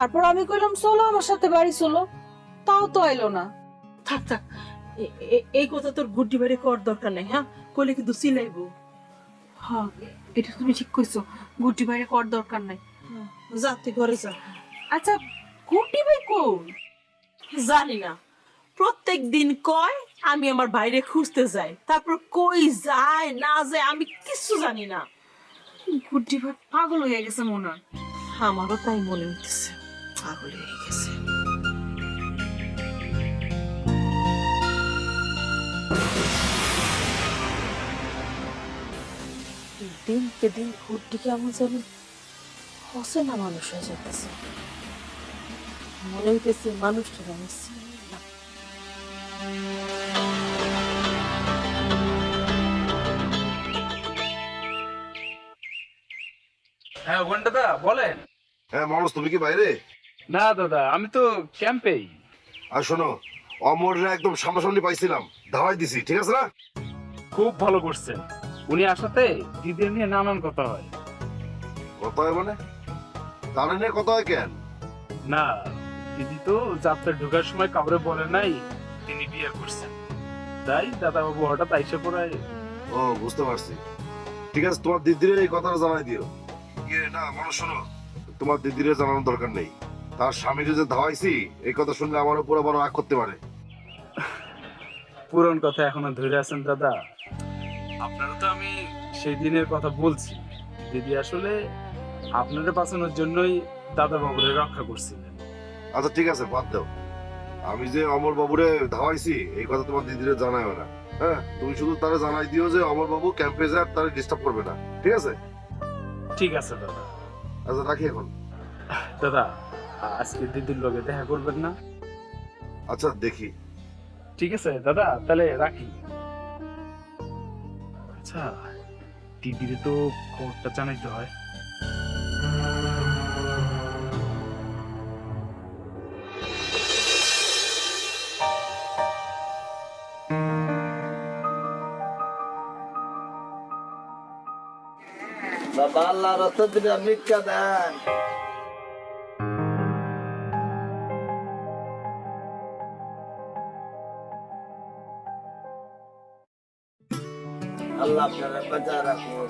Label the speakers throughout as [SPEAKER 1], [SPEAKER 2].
[SPEAKER 1] তারপর আমি কইলাম চলো আমার সাথে বাড়ি চলো, তাও তো আইলো না।
[SPEAKER 2] থাক থাক, এই কথা তোর গুড্ডি বাড়ি কর দরকার নেই, হ্যাঁ? কইলে কিন্তু চিলাইবো।
[SPEAKER 1] হ্যাঁ, এটা তুমি ঠিক কইছো, গুড্ডি বাইরে কর দরকার নাই।
[SPEAKER 2] যা তুই ঘরে যা।
[SPEAKER 1] আচ্ছা, গুড্ডি ভাই কোন?
[SPEAKER 2] জানি না, প্রত্যেক দিন কয় আমি আমার বাইরে খুঁজতে যাই, তারপর কই যায় না যায় আমি কিছু জানি না।
[SPEAKER 1] গুড্ডি ভাই পাগল হয়ে গেছে মনে হয়।
[SPEAKER 2] আমারও তাই মনে হইতেছে, পাগল হয়ে গেছে। দিনকে দিন গুড্ডি কেমন জানি অচেনা মানুষ হয়ে যেতেছে। মনে হইতেছে মানুষটা আমি চিনি না।
[SPEAKER 3] হ্যাঁ ওখান দাদা বলেন।
[SPEAKER 4] হ্যাঁ মানুষ, তুমি কি বাইরে?
[SPEAKER 3] না দাদা, আমি তো ক্যাম্পেই।
[SPEAKER 4] আর শোনো, অমররা একদম সামনাসামনি পাইছিলাম, ধাওয়াই দিছি, ঠিক আছে না?
[SPEAKER 3] খুব ভালো করছেন। উনি আসাতে দিদির নিয়ে নানান কথা হয়।
[SPEAKER 4] কথা হয় মানে? তাহলে নিয়ে কথা হয় কেন?
[SPEAKER 3] না, দিদি তো যাত্রা ঢোকার সময় কাউরে বলে নাই তিনি বিয়ে করছেন, তাই দাদা বাবু হঠাৎ আইসে পড়ায়।
[SPEAKER 4] ও বুঝতে পারছি। ঠিক আছে, তোমার দিদির এই কথাটা জানাই দিও। ইয়ে না মানুষ, শোনো, তোমার দিদির জানানোর দরকার নেই। তার স্বামীকে যে ধাওয়াইছি এই কথা শুনলে আমার উপর বড় রাগ করতে পারে।
[SPEAKER 3] পুরন কথা এখনো ধরে আছেন দাদা। আপনারা তো আমি সেই দিনের কথা বলছি। দিদি আসলে আপনাদের বাঁচানোর জন্যই দাদা বাবুরে রক্ষা করছিলেন।
[SPEAKER 4] আচ্ছা ঠিক আছে, বাদ দাও। আমি যে অমর বাবুরে ধাওয়াইছি এই কথা তোমার দিদিরে জানাইও না। হ্যাঁ, তুমি শুধু তারা জানাই দিও যে অমর বাবু ক্যাম্পে যায়, তারা ডিস্টার্ব করবে না, ঠিক আছে?
[SPEAKER 3] ঠিক আছে দাদা।
[SPEAKER 4] আচ্ছা রাখি এখন।
[SPEAKER 3] দাদা, আজকে দিদির লগে দেখা করবেন না?
[SPEAKER 4] আচ্ছা দেখি।
[SPEAKER 3] ঠিক আছে দাদা, তাহলে রাখি। আচ্ছা, দিদিরে তো খবরটা জানাইতে হয়।
[SPEAKER 5] বাবা আল্লাহ রাস্তা দিলে ভিক্ষা দেন। আল্লাহ আপনারা বাঁচায় রাখুন।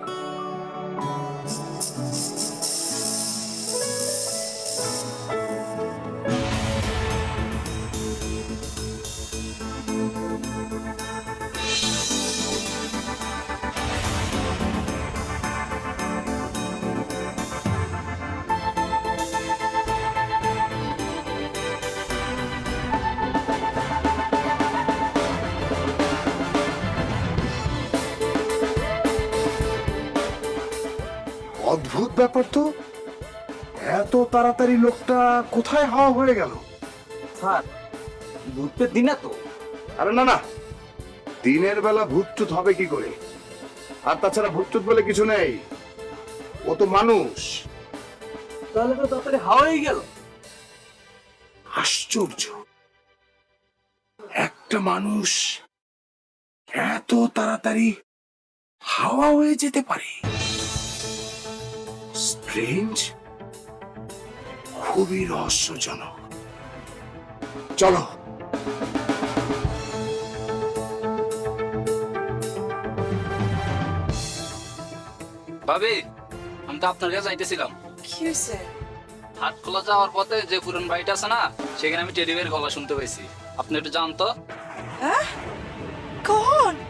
[SPEAKER 6] অদ্ভুত ব্যাপার তো, এত তাড়াতাড়ি লোকটা কোথায় হাওয়া হয়ে গেল?
[SPEAKER 5] স্যার, ভূতের দিন না তো?
[SPEAKER 6] আরে না না, দিনের বেলা ভূতচুত হবে কি করে? আর তাছাড়া ভূতচুত বলে কিছু নেই, ও তো মানুষ।
[SPEAKER 5] তাহলে তো তাড়াতাড়ি হাওয়া হয়ে গেল।
[SPEAKER 6] আশ্চর্য, একটা মানুষ এত তাড়াতাড়ি হাওয়া হয়ে যেতে পারে। স্ট্রেঞ্জ, খুবই রহস্যজনক। চলো।
[SPEAKER 7] ভাবি, আমি তো আপনার কাছে যাইতেছিলাম।
[SPEAKER 1] কি হয়েছে?
[SPEAKER 7] হাট খোলা যাওয়ার পথে যে পুরন বাড়িটা আছে না, সেখানে আমি টেডি বের গলা শুনতে পাইছি। আপনি একটু জানতো?
[SPEAKER 1] কখন?